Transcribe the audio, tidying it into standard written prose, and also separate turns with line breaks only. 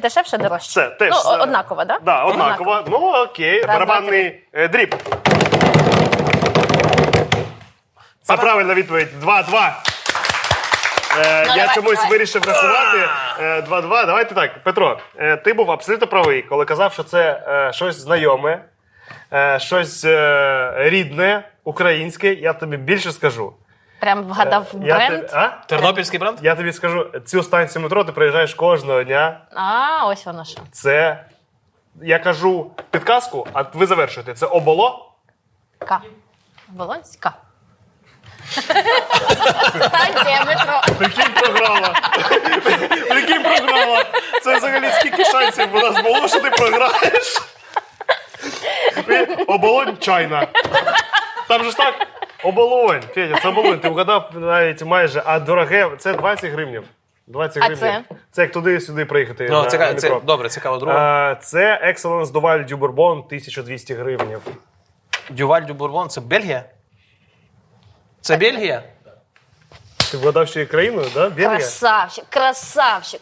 дешевше, дорожче?
Це теж.
Ну, однаково, так?
Да, однаково. Ну, окей.
Раз,
Барабанний дріб. Це правильна відповідь. 2-2. Я
давай,
чомусь
давай.
вирішив рахувати. 2-2. Давайте так. Петро, ти був абсолютно правий, коли казав, що це щось знайоме, щось рідне, українське. Я тобі більше скажу.
Прям вгадав бренд?
Тернопільський бренд?
Я тобі скажу, цю станцію метро ти проїжджаєш кожного дня.
А, ось воно що.
Це, я кажу підказку, а ви завершуєте. Це оболо?
К. Волонська. Станція метро.
Прикинь, програла. Прикинь, програла. Це взагалі скільки шансів у нас було, що ти програєш? Оболонь чайна. Там же ж так? Оболонь. Федя, це оболонь. Ти вгадав навіть майже. А дороге, це 20 гривнів. 20
А
гривнів. Це як туди-сюди приїхати.
Ну,
на метро.
добре, цікаво. Друга.
Це Excellence Duval du Bourbon, 1200 гривнів.
Дюваль дю Бурбон, це Бельгія? Це Бельгія?
Ти вгадав ще і країною, да? Бельгія?
Красавчик, красавчик.